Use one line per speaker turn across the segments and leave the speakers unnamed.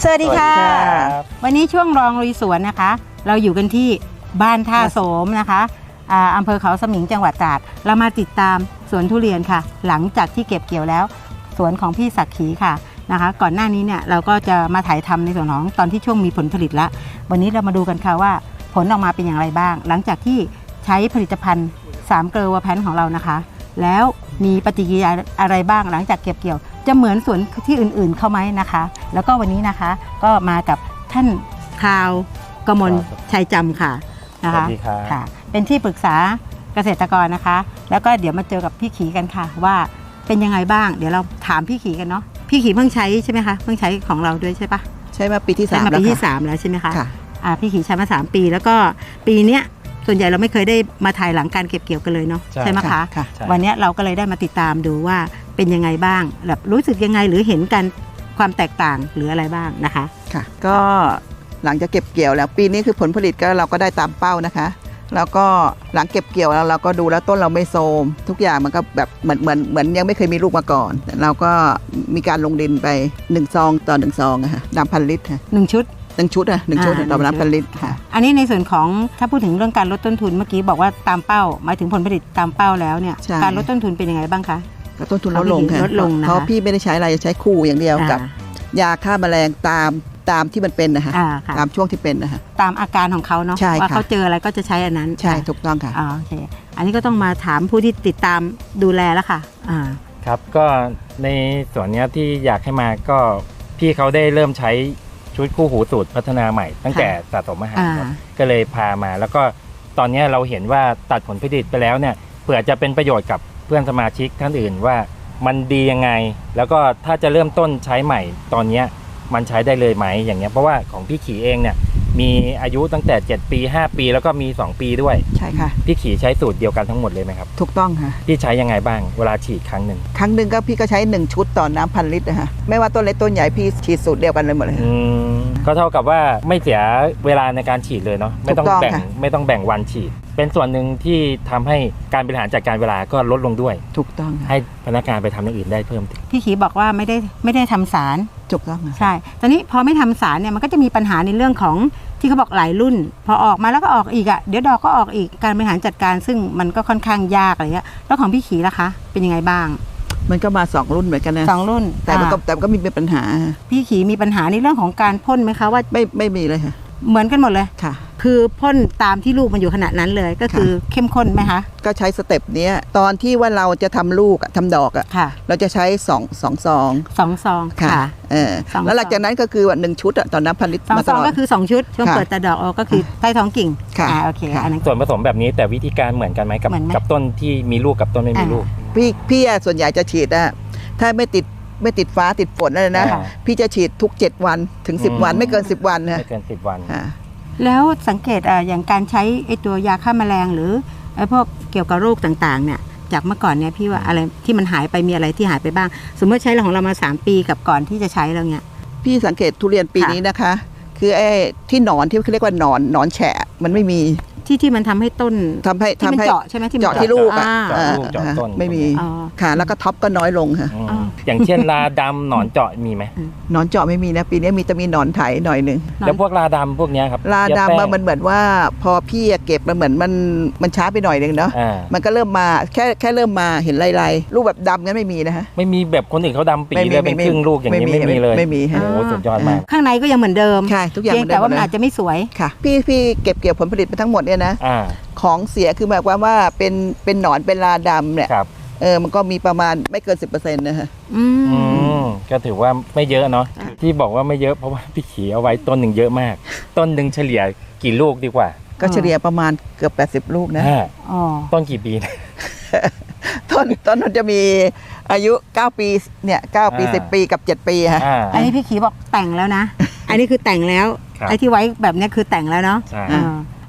สวัสดีค่ะวันนี้ช่วงรองลุยสวนนะคะเราอยู่กันที่บ้านท่าโสมนะคะอำเภอเขาสมิงจังหวัดตราดเรามาติดตามสวนทุเรียนค่ะหลังจากที่เก็บเกี่ยวแล้วสวนของพี่ศักดิ์ขีค่ะนะคะก่อนหน้านี้เนี่ยเราก็จะมาถ่ายทำในส่วนของตอนที่ช่วงมีผลผลิตแล้ววันนี้เรามาดูกันค่ะว่าผลออกมาเป็นอย่างไรบ้างหลังจากที่ใช้ผลิตภัณฑ์3 เกลือแพนของเรานะคะแล้วมีปฏิกิริยาอะไรบ้างหลังจากเก็บเกี่ยวจะเหมือนสวนที่อื่นๆเข้าไหมนะคะแล้วก็วันนี้นะคะก็มากับท่านคราวกมลชัยจำค่ะนะคะค่ะเป็นที่ปรึกษาเกษตรกรนะคะแล้วก็เดี๋ยวมาเจอกับพี่ขีกันค่ะว่าเป็นยังไงบ้างเดี๋ยวเราถามพี่ขีกันเนาะพี่ขีเพิ่งใช้ใช่ไหมคะเพิ่งใช้ของเราด้วยใช่ปะ
ใช้มาปีที่3
แล้วปีที่3แล้วใช่ไหมคะพี่ขีใช้มา3 ปีแล้วก็ปีเนี้ยส่วนใหญ่เราไม่เคยได้มาถ่ายหลังการเก็บเกี่ยวกันเลยเนาะใช่ไหมคะวันนี้เราก็เลยได้มาติดตามดูว่าเป็นยังไงบ้างแบบรู้สึกยังไงหรือเห็นกันความแตกต่างหรืออะไรบ้างนะคะ
ค่ะก็หลังจากเก็บเกี่ยวแล้วปีนี้คือผลผลิตก็เราก็ได้ตามเป้านะคะแล้วก็หลังเก็บเกี่ยวแล้วเราก็ดูแล้วต้นเราไม่โทรมทุกอย่างมันก็แบบเหมือนยังไม่เคยมีลูกมาก่อนเราก็มีการลงดินไป1 ซองต่อ1 ซองอะค่ะน้ำ1,000 ลิตรค่ะ
1 ชุด
1 ชุดอะ1 ชุดต่อน้ำ1,000 ลิตรค่ะ
อันนี้ในส่วนของถ้าพูดถึงเรื่องการลดต้นทุนเมื่อกี้บอกว่าตามเป้าหมายถึงผลผลิตตามเป้าแล้วเนี่ยการลดต้นทุนเป็นยังไงบ้างคะ
ต้นทุนลดลงค่ะเพราะพี่ไม่ได้ใช้อะไรใช้คู่อย่างเดียวกับยาฆ่าแมลงตามที่มันเป็นนะคะตามช่วงที่เป็นนะคะ
ตามอาการของเขาเนาะว่าเขาเจออะไรก็จะใช้อันนั้น
ใช่ถูกต้องค่ะ
โอเคอันนี้ก็ต้องมาถามผู้ที่ติดตามดูแลแล้วค่ะ
ครับก็ในส่วนนี้ที่อยากให้มาก็พี่เขาได้เริ่มใช้ชุดคู่หูสูตรพัฒนาใหม่ตั้งแต่สะสมอาหารก็เลยพามาแล้วก็ตอนนี้เราเห็นว่าตัดผลผลิตไปแล้วเนี่ยเผื่อจะเป็นประโยชน์กับเพื่อนสมาชิกท่านอื่นว่ามันดียังไงแล้วก็ถ้าจะเริ่มต้นใช้ใหม่ตอนนี้มันใช้ได้เลยไหมอย่างเงี้ยเพราะว่าของพี่ขีเองเนี่ยมีอายุตั้งแต่7 ปี 5 ปีแล้วก็มี2 ปีด้วย
ใช่ค่ะ
พี่ขีใช้สูตรเดียวกันทั้งหมดเลยไหมครับ
ถูกต้องค่ะ
พี่ใช้ยังไงบ้างเวลาฉีดครั้งหนึ่ง
ก็พี่ก็ใช้1 ชุดต่อน้ำ1,000 ลิตรนะคะไม่ว่าต้นเล็กต้นใหญ่พี่ฉีดสูตรเดียวกันเลยหมดเลย
ก็เท่ากับว่าไม่เสียเวลาในการฉีดเลยเนาะไม่ต้องแบ่งวันฉีดเป็นส่วนหนึ่งที่ทำให้การบริหารจัดการเวลาก็ลดลงด้วย
ถูกต้อง
ให้พนักงานไปทำอย่างอื่นได้เพิ่ม
พี่ขีบอกว่าไม่ได้ทำสาร
ถูกต้อง
ใช่ตอนนี้พอไม่ทำสารเนี่ยมันก็จะมีปัญหาในเรื่องของที่เขาบอกหลายรุ่นพอออกมาแล้วก็ออกอีกอ่ะเดี๋ยวดอกก็ออกอีกการบริหารจัดการซึ่งมันก็ค่อนข้างยากอะไรเงี้ยแล้วของพี่ขีล่ะคะเป็นยังไงบ้าง
มันก็มา2 รุ่นเหมือนกันนะ
2 รุ่น
แต่มันก็มีปัญหา
พี่ขีมีปัญหาในเรื่องของการพ่นไหมคะว่า
ไม่มีเลยค่ะ
เหมือนกันหมดเลย
ค่ะ
คือพ่นตามที่ลูกมันอยู่ขนาดนั้นเลยก็คือเข้มข้นไหมคะ
ก็ใช้สเต็ปนี้ตอนที่ว่าเราจะทำลูกทำดอกอ่ะเราจะใช้2 ซอง
ค่ะ
แล้วหลังจากนั้นก็คือว่า1 ชุดต่อน้ำ1,000 ลิตร
2 ซองก็คือ2 ชุดช่วงเปิดแต่ดอกก็คือใต้ท้องกิ่งโอเคอันนั้น
ส่วนผสมแบบนี้แต่วิธีการเหมือนกันไหมกับต้นที่มีลูกกับต้นไม่มีลูก
พี่ส่วนใหญ่จะฉีดถ้าไม่ติดฟ้าติดฝนอะไรนะพี่จะฉีดทุก7 วันถึง10 วันไม่เกิน10 วันนะ
ไม่เกิน10 วัน
แล้วสังเกตอย่างการใช้ไอ้ตัวยาฆ่าแมลงหรือไอ้พวกเกี่ยวกับโรคต่างๆเนี่ยจากเมื่อก่อนเนี่ยพี่ว่าอะไรที่มันหายไปมีอะไรที่หายไปบ้างสมมติใช้ของเรามา3 ปีกับก่อนที่จะใช้แล้วเนี่ย
พี่สังเกตทุเรียนปีนี้นะคะคือไอ้ที่หนอนที่เขาเรียกว่าหนอนแฉะมันไม่มี
ที่มันทำให้ต้น
ทำให้
เจาะใช่ไหมที่
เจาะที่ลูก
เจาะต้น
ไม่มีค่ะแล้วก็ท็อปก็น้อยลงค่ะ
อย่างเช่นราดำหนอนเจาะมีไหม
หนอนเจาะไม่มีนะปีนี้มีหนอนไถหน่อยนึง
แล้วพวกราดำพวกนี้ครับ
ราดำมันเหมือนว่าพอพี่เก็บมันเหมือนมันช้าไปหน่อยนึงเนาะมันก็เริ่มมาแค่เริ่มมาเห็นลายลูกแบบดำงั้นไม่มีนะฮะ
ไม่มีแบบคนอื่นเขาดำปีเลยเป็นครึ่งลูกอย่างนี้ไม่มีเลย
ไม่มี
โอ้สุดยอดมาก
ข้างในก็ยังเหมือนเดิม
ใช่ทุกอย่าง
แต่ว่ามันอาจจะไม่สวย
ค่ะพี่เก็บเกี่ยวผลผลิตไปทั้งหมดเนี่ยนะของเสียคือหมายความว่าเป็นหนอนเป็นราดำเนี่ยมันก็มีประมาณไม่เกิน 10% นะฮะ
ก็ถือว่าไม่เยอะเนาะที่บอกว่าไม่เยอะเพราะว่าพี่ขีเอาไว้ต้นหนึ่งเยอะมากต้นหนึ่งเฉลี่ยกี่ลูกดีกว่า
ก็เฉลี่ยประมาณเกือบ80 ลูกนะ
ต้นกี่ปีนะ
ต้นมันจะมีอายุ9 ปีเนี่ย9 ปี10 ปีกับ7 ปีฮะ
อันนี้พี่ขีบอกแต่งแล้วนะอันนี้คือแต่งแล้วไอ้ที่ไว้แบบนี้คือแต่งแล้วเนาะ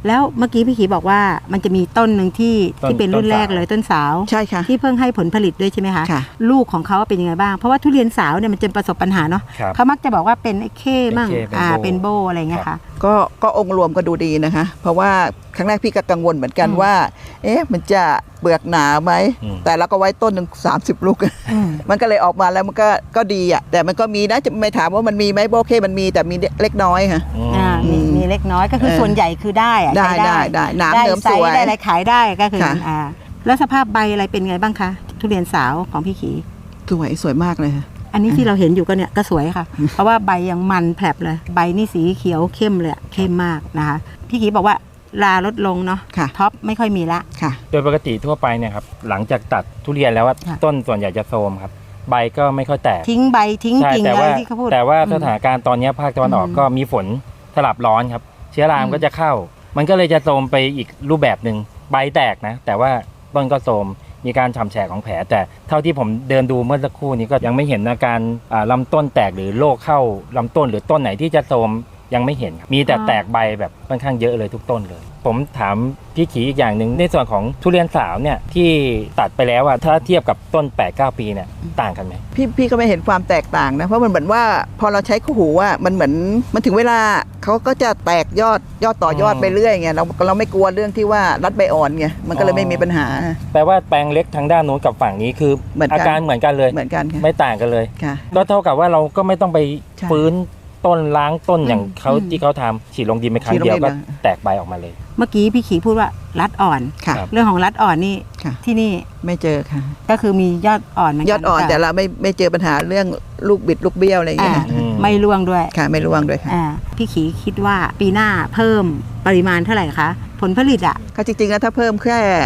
แล้วเมื่อกี้พี่ขีบอกว่ามันจะมีต้นหนึ่งที่เป็นรุ่นแรกเลยต้นสาว
ใช่ค่ะ
ที่เพิ่งให้ผลผลิตด้วยใช่ไหมคะ
ค่ะ
ลูกของเขาเป็นยังไงบ้างเพราะว่าทุเรียนสาวเนี่ยมันจะประสบปัญหาเนาะ
ครับ
เขามักจะบอกว่าเป็นไอ้เข้มั่ง
เป็นโบ้
เป็นโบอะไรเงี้ยค่ะ
ก็องค์รวมก็ดูดีนะคะ เพราะว่าครั้งแรกพี่ก็กังวลเหมือนกัน
อืม
ว่า มันจะเปลือกหนาไหม
อืม
แต่เราก็ไว้ต้นหนึ่ง30 ลูก
อืม
มันก็เลยออกมาแล้วมันก็ดีอ่ะแต่มันก็มีนะจะไม่ถามว่ามันมีไหมโอเคมันมีแต่มีเล็กน้อยค่ะ
มีเล็กน้อยก็คือส่วนใหญ่คือได้อะ
ได้
ใช้
ได้หนาม
ได้
เดิม
ไซ
ส
ส์
วย
ได้อะไรขายได้ก็คือ
ค่ะ
แล้วสภาพใบอะไรเป็นไงบ้างคะทุเรียนสาวของพี่ขี
สวยมากเลยค่ะ
อันนี้ที่เราเห็นอยู่ก็เนี่ยก็สวยค่ะ เพราะว่าใบยังมันแผลบเลยใบนี่สีเขียวเข้มเลยเข้มมากนะคะพี่ขีบอกว่าลาลดลงเนาะ
ค่ะ
ท็อปไม่ค่อยมีละ
ค่ะ
โดยปกติทั่วไปเนี่ยครับหลังจากตัดทุเรียนแล้วว่า
ค่ะ
ต้นส่วนใหญ่จะโทรมครับใบก็ไม่ค่อยแตก
ทิ้งใบทิ้ง
ใช่
กิ่ง
แต่
อะไร
ว่า
ที่เขาพูด
แต่ว่า
อืม
สถานการณ์ตอนนี้ภาคตะวันออก
อืม
ก็มีฝนสลับร้อนครับเชื้อรา
อืม
ก็จะเข้า มันก็เลยจะโทรมไปอีกรูปแบบหนึ่งใบแตกนะแต่ว่าต้นก็โทรมมีการฉ่ำแฉะของแผลแต่เท่าที่ผมเดินดูเมื่อสักครู่นี้ก็ยังไม่เห็นอาการลำต้นแตกหรือโรคเข้าลำต้นหรือต้นไหนที่จะโทรมยังไม่เห็นครับมีแต่แตกใบแบบค่อนข้างเยอะเลยทุกต้นเลย ผมถามพี่ขีอีกอย่างหนึ่งในส่วนของทุเรียนสาวเนี่ยที่ตัดไปแล้วถ้าเทียบกับต้น 8-9 ปีเนี่ยต่างกันไหม
พี่ก็ไม่เห็นความแตกต่างนะเพราะมันเหมือนว่าพอเราใช้คู่หูมันเหมือนมันถึงเวลาเขาก็จะแตกยอดต่อยอดไปเรื่อยไงเราไม่กลัวเรื่องที่ว่ารัดใบอ่อนไงมันก็เลยไม่มีปัญหา
แปลว่าแปลงเล็กทางด้านนู้นกับฝั่งนี้คือ
เหมือนกัน
อาการเหมือนกันเลย
เหมือนกันค่ะ
ไม่ต่างกันเลย
ค่ะ
ก็เท่ากับว่าเราก็ไม่ต้องไป
ใช่
ฟื้นต้นล้างต้นอย่างเขา
อืม
ที่เขาทำฉีดลงดินไปครั้
ฉี
ง
ดลง
เดียว
ดิน
ก็
นะ
แตกใบออกมาเลย
เมื่อกี้พี่ขีพูดว่ารัดอ่อน
ค่ะ
ครับ
เรื่องของรัดอ่อนนี่
ค่ะ
ที่นี่
ไม่เจอค่ะ
ก็คือมียอดอ่อนเหมือนกัน
ยอดอ่อนแต่เราไม่เจอปัญหาเรื่องลูกบิดลูกเบี้ยวอะไรอย่าง
อ่า
เงี้ยค่ะ
อืม
ไม่ร่วงด้วย
ค่ะไม่ร่วงด้วยค่ะ
พี่ขีคิดว่าปีหน้าเพิ่มปริมาณเท่าไหร่คะผลผลิตอ่ะ
ก็จริงๆแล้วถ้าเพิ่มแค่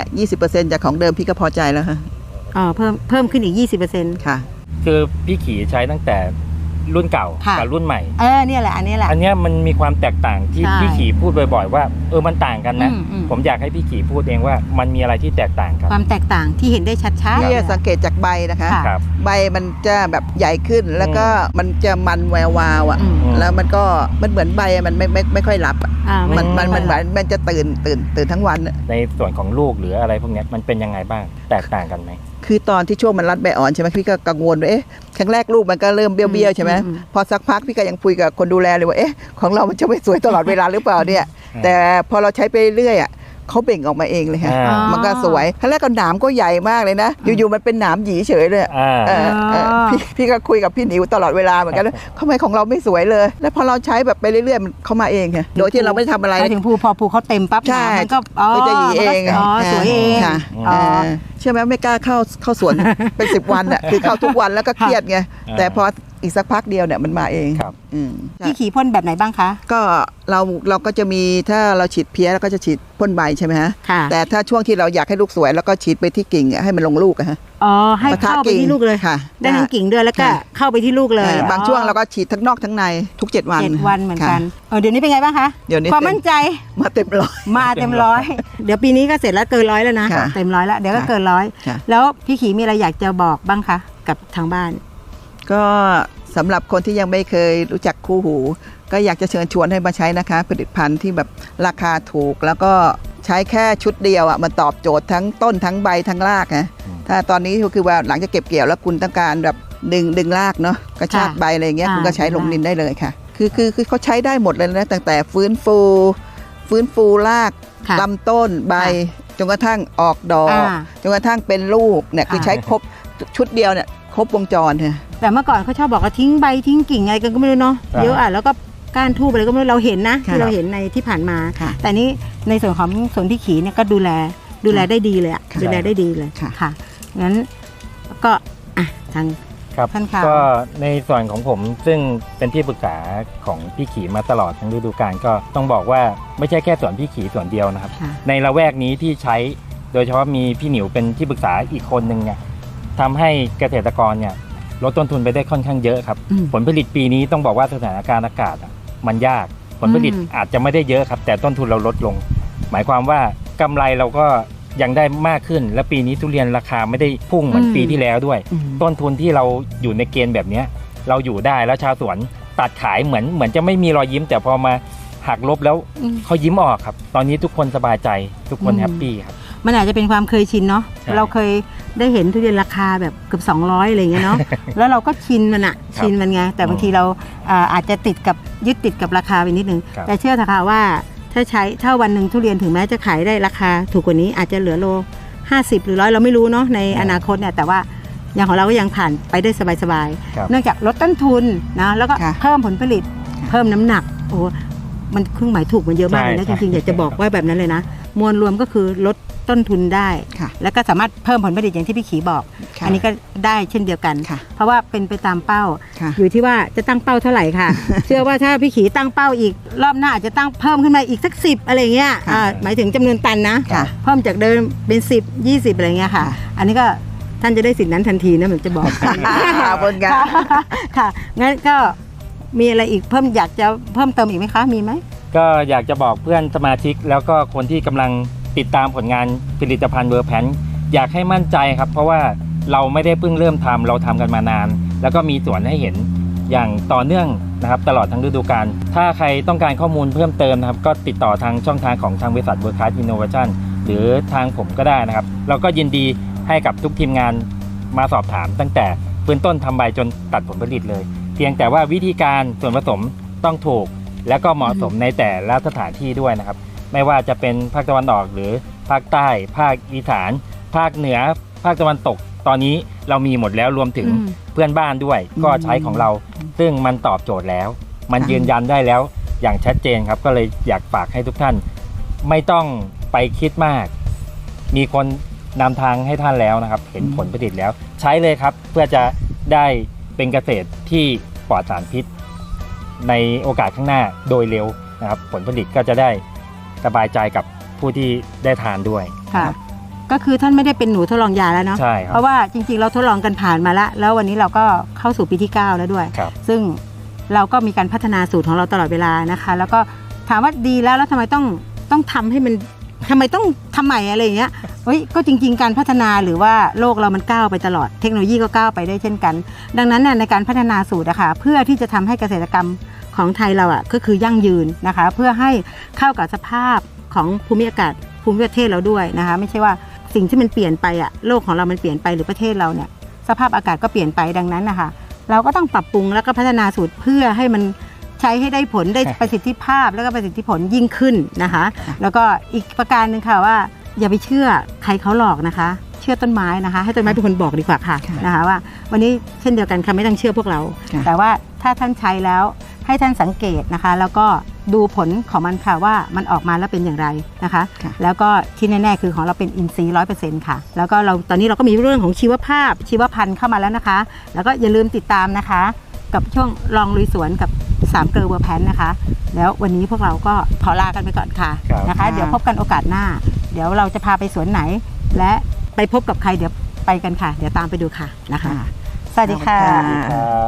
20%จากของเดิมพี่ก็พอใจแล้วค่ะ
เพิ่มขึ้นอีก 20%
ค่ะ
คือพี่ขี่ใช้ตั้งแต่รุ่นเก่า
ค่ะ
กับรุ่นใหม่
เนี่ยแหละอันนี้แหละ
อันเนี้ยมันมีความแตกต่างที่
ใช่
พี่ขี่พูดบ่อยๆว่ามันต่างกันนะ
อืม
ผมอยากให้พี่ขี่พูดเองว่ามันมีอะไรที่แตกต่างกัน
ความแตกต่างที่เห็นได้ชัดๆ
พี่
เลย
สังเกตจากใบนะคะ
ค่ะ
ครับ
ใบมันจะแบบใหญ่ขึ้นแล้วก็มันจะมันแวววาวอ่ะ
อืม
แล้วมันเหมือนใบมันไม่ค่อยรับอะ มันจะตื่นทั้งวันอะ
ในส่วนของลูกหรืออะไรพวกเนี้ยมันเป็นยังไงบ้างแตกต่างกันไหม
คือตอนที่ช่วงมันรัดใบอ่อนใช่ไหมพี่ก็กังวลว่าครั้งแรกลูกมันก็เริ่มเบี้ยวๆใช่ไหม
อืม
พอสักพักพี่ก็ยังคุยกับคนดูแลเลยว่าของเรามันจะไม่สวยตลอดเวลาหรือเปล่าเนี่ย แต่พอเราใช้ไปเรื่อยอ่ะเขาเบ่งออกมาเองเลยค่ะ
อ่า
มันก็สวยครั้งแรกก็หนามก็ใหญ่มากเลยนะ อยู่ๆมันเป็นหนามหยีเฉยเลย พี่ก็คุยกับพี่หนิวตลอดเวลาเหมือนกันทำไมของเราไม่สวยเลย แล้วพอเราใช้แบบไปเรื่อยๆมันเข้ามาเองค่ะโดยที่เราไม่ได้ทำอะไร
ไปถึงภูพอภูเขาเต็มปั๊บ
ใช่
มันก็
ก็จะหยีเอง
สวยเอง
ค่ะ
อ๋อ
เชื่อไหมไม่กล้าเข้าสวน เป็น10 วันอ่ะคือเข้าทุกวันแล้วก็เครียดไงแต่พออีกสักพักเดียวเนี่ยมันมาเอง
ครับ
พี่ขี่พ่นแบบไหนบ้างคะ
ก็เราก็จะมีถ้าเราฉีดเพี้ยเราก็จะฉีดพ่นใบใช่ไหมฮะ
ค่ะ
แต่ถ้าช่วงที่เราอยากให้ลูกสวยแล้วก็ฉีดไปที่กิ่งให้มันลงลูกอะฮะ
ให้เข้าไปที่ลูกเลย
ค่ะ
ได้ทั้งกิ่งด้วยแล้วก็
ค่ะ
เข้าไปที่ลูกเลย
บางช่วงเราก็ฉีดทั้งนอกทั้งในทุก7 วัน
7 วันเหมือนกัน
ค่ะ
เดี๋ยวนี้เป็นไงบ้างคะ
เดี๋ยวนี้
ความมั่นใจ
มาเต็มร้อย
มาเต็มร้อยเดี๋ยวปีนี้ก็เสร็จแล้วเกินร้อยแล้วนะ
ค่ะ
เต็มร้อยแล้วเดี๋ยวก็เกินร้อย
ค่ะ
แล้วพี่ขีมีอะไรอยากจะบอกบ้างคะกับทางบ้าน
ก็สำหรับคนที่ยังไม่เคยรู้จักคู่หู ก็อยากจะเชิญชวนให้มาใช้นะคะ ผลิตภัณฑ์ที่แบบราคาถูก แล้วก็ใช้แค่ชุดเดียวมันตอบโจทย์ทั้งต้นทั้งใบทั้งรากนะถ้าตอนนี้ก็คือว่าหลังจากเก็บเกี่ยวแล้วคุณต้องการแบบดึงรากเนาะกระชากใบอะไรอย่างเงี้ยคุณก็ใช้ลงดินได้เลยค่ะ คือเขาใช้ได้หมดเลยนะตั้งแต่ฟื้นฟูราก
ค่ะ
ลำต้นใบจนกระทั่งออกดอกจนกระทั่งเป็นลูกเนี่ยคือใช้ครบชุดเดียวเนี่ยครบวงจรค่ะ
แต่เมื่อก่อนเขาชอบบอกว่าทิ้งใบทิ้งกิ่งอะไรกันก็ไม่รู้เนาะ
ครับ
เยอะแล้วก็ก้านทูบอะไรก็ไม่รู้เราเห็นนะ
ค่ะ
ที่เราเห็นในที่ผ่านมา
ค่ะ
แต่นี้ในส่วนของสวนพี่ขีเนี่ยก็ดูแลได้ดีเลยอะ
ค่ะ
ดูแลได้ดีเลย
ค่ะ
ค่ะงั้นก็ทาง
ครับ
ท่านค่ะ
ก็ในส่วนของผมซึ่งเป็นที่ปรึกษาของพี่ขีมาตลอดทั้งฤดูกาลก็ต้องบอกว่าไม่ใช่แค่สวนพี่ขีสวนเดียวนะครับ
ค่ะ
ในละแวกนี้ที่ใช้โดยเฉพาะมีพี่หนิวเป็นที่ปรึกษาอีกคนนึงเนี่ยทำให้เกษตรกรเนี่ยลดต้นทุนไปได้ค่อนข้างเยอะครับ
อืม
ผลผลิตปีนี้ต้องบอกว่าสถานการณ์อากาศมันยากผลผลิต
อืม
อาจจะไม่ได้เยอะครับ แต่ต้นทุนเราลดลง หมายความว่ากำไรเราก็ยังได้มากขึ้น และปีนี้ทุเรียนราคาไม่ได้พุ่งเหมือนปีที่แล้วด้วย ต้นทุนที่เราอยู่ในเกณฑ์แบบเนี้ยเราอยู่ได้แล้วชาวสวนตัดขายเหมือนจะไม่มีรอยยิ้ม แต่พอมาหักลบแล้ว
อืม
เขายิ้มออกครับ ตอนนี้ทุกคนสบายใจทุกคน
อืม
แฮปปี้ครับ
มันอาจจะเป็นความเคยชินเนาะ
ใช่
เราเคยได้เห็นทุเรียนราคาแบบเกือบ200อะไรอย่างเงี้ยเนาะ แล้วเราก็ชินมันอะ
ครับ
ชินมันไงแต่บางทีเราอาจจะยึดติดกับราคาไปนิดนึง
ครับ
แต่เชื่อเถอะค่ะว่าถ้าวันหนึ่งทุเรียนถึงแม้จะขายได้ราคาถูกกว่านี้อาจจะเหลือโล50หรือ100เราไม่รู้เนาะในอนาคตเนี่ยแต่ว่าอย่างของเราก็ยังผ่านไปได้สบาย
ครับ
ๆเนื่องจากลดต้นทุนนะแล้วก็
ค่ะ
เพิ่มผลผลิตเพิ่มน้ำหนักโอ้มันเครื่องหมายถูกมันเยอะมากเลยนะ
ใช่
จริงๆอยากจะบอกว่าแบบนั้นเลยนะมวลรวมก็คือลดต้นทุนได้
ค่ะ
แล้วก็สามารถเพิ่มผลผลิตอย่างที่พี่ขีบอก
ค่ะ
อันนี้ก็ได้เช่นเดียวกัน
ค่ะ
เพราะว่าเป็นไปตามเป้า
ค่ะ
อยู่ที่ว่าจะตั้งเป้าเท่าไหร่ ค่ะ เชื่อว่าถ้าพี่ขีตั้งเป้าอีกรอบหน้าอาจจะตั้งเพิ่มขึ้นมาอีกสัก10อะไรเงี้ย
ค่ะ
หมายถึงจำนวนตันนะ
ค่ะ
เพิ่มจากเดิมเป็น10 20อะไรเงี้ยค่ะ
ค่ะ
อันนี้ก็ท่านจะได้สิทธินั้นทันทีนะผมจะบอก
ขอบคุณค่ะ
ค่ะงั้นก็มีอะไรอีกอยากจะเพิ่มเติมอีกไหมคะมีไหม
ก็อยากจะบอกเพื่อนสมาชิกแล้วก็คนที่กำลังติดตามผลงานผลิตภัณฑ์เวอร์แพนอยากให้มั่นใจครับ เพราะว่าเราไม่ได้เพิ่งเริ่มทำเราทำกันมานาน แล้วก็มีสวนให้เห็นอย่างต่อเนื่องนะครับตลอดทั้งฤดูกาลถ้าใครต้องการข้อมูลเพิ่มเติมนะครับก็ติดต่อทางช่องทางของทางบริษัทเวิร์คคลาสอินโนเวชั่นหรือทางผมก็ได้นะครับเราก็ยินดีให้กับทุกทีมงานมาสอบถามตั้งแต่พื้นต้นทำใบจนตัดผลผลิตเลย เพียงแต่ว่าวิธีการส่วนผสมต้องถูก และก็เหมาะสมในแต่ละสถานที่ด้วยนะครับ ไม่ว่าจะเป็นภาคตะวันออกหรือภาคใต้ ภาคอีสาน ภาคเหนือ ภาคตะวันตก ตอนนี้เรามีหมดแล้วรวมถึง
อืม
เพื่อนบ้านด้วย ก็ใช้ของเรา ซึ่งมันตอบโจทย์แล้ว มัน
ค่ะ
ยืนยันได้แล้วอย่างชัดเจนครับ ก็เลยอยากฝากให้ทุกท่าน ไม่ต้องไปคิดมาก มีคนนำทางให้ท่านแล้วนะครับ เห็นผลผลิตแล้ว ใช้เลยครับ เพื่อจะได้เป็นเกษตรที่ปลอดสารพิษ ในโอกาสข้างหน้าโดยเร็วนะครับ ผลผลิตก็จะได้สบายใจกับผู้ที่ได้ทานด้วย
ค่ะ ก็คือท่านไม่ได้เป็นหนูทดลองยาแล้วเนาะ
ใช่ครั
เพ
บ
ราะว่าจริงๆเราทดลองกันผ่านมาแล้ววันนี้เราก็เข้าสู่ปีที่ 9 แล้วด้วย
ครับ
ซึ่งเราก็มีการพัฒนาสูตรของเราตลอดเวลานะคะ แล้วก็ถามว่าดีแล้วทำไมต้องทำให้มันทำไมต้องทำใหม่อะไรอย่างเงี้ยเฮ้ยก็จริงๆการพัฒนาหรือว่าโลกเรามันก้าวไปตลอดเทคโนโลยีก็ก้าวไปได้เช่นกัน ดังนั้นเนี่ยในการพัฒนาสูตรอะค่ะเพื่อที่จะทำให้เกษตรกรรมของไทยเราอะก็คือยั่งยืนนะคะ เพื่อให้เข้ากับสภาพของภูมิอากาศภูมิประเทศเราด้วยนะคะ ไม่ใช่ว่าสิ่งที่มันเปลี่ยนไปอะโลกของเรามันเปลี่ยนไปหรือประเทศเราเนี่ยสภาพอากาศก็เปลี่ยนไปดังนั้นนะคะเราก็ต้องปรับปรุงแล้วก็พัฒนาสูตรเพื่อให้มันใช้ให้ได้ผลได้ประสิทธิภาพแล้วก็ประสิทธิผลยิ่งขึ้นนะคะ แล้วก็อีกประการหนึ่งค่ะว่าอย่าไปเชื่อใครเขาหลอกนะคะ เชื่อต้นไม้นะคะ ให้ต้นไม้เป็นคนบอกดีกว่าค่ะ
ค่ะ
นะคะว่าวันนี้เช่นเดียวกันค่ะไม่ต้องเชื่อพวกเรา
ค่ะ
แต่ว่าถ้าท่านใช้แล้วให้ท่านสังเกตนะคะ แล้วก็ดูผลของมันค่ะว่ามันออกมาแล้วเป็นอย่างไรนะคะ
ค่ะ
แล้วก็ที่แน่ๆคือของเราเป็นอินทรีย์100%ค่ะแล้วก็ตอนนี้เราก็มีเรื่องของชีวภาพชีวพันธุ์เข้ามาแล้วนะคะ แล้วก็อย่าลืมติดตามนะคะ กับช่วงลองลุยสวนกับ3เกลอเวอร์แพนนะคะ แล้ววันนี้พวกเราก็ขอลากันไปก่อนค่ะ
ครับ
นะคะ เดี๋ยวพบกันโอกาสหน้า เดี๋ยวเราจะพาไปสวนไหน และไปพบกับใครเดี๋ยวไปกันค่ะ เดี๋ยวตามไปดูค่ะนะคะ
ค่ะ
สวัสดีค่ะ
ขอบคุณค่ะ
ครับ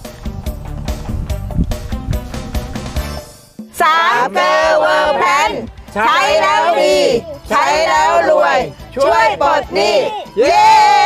สามเกลอเวอร์แพนใช้แล้วดี ใช้แล้วรวย ช่วยปลดหนี้เย้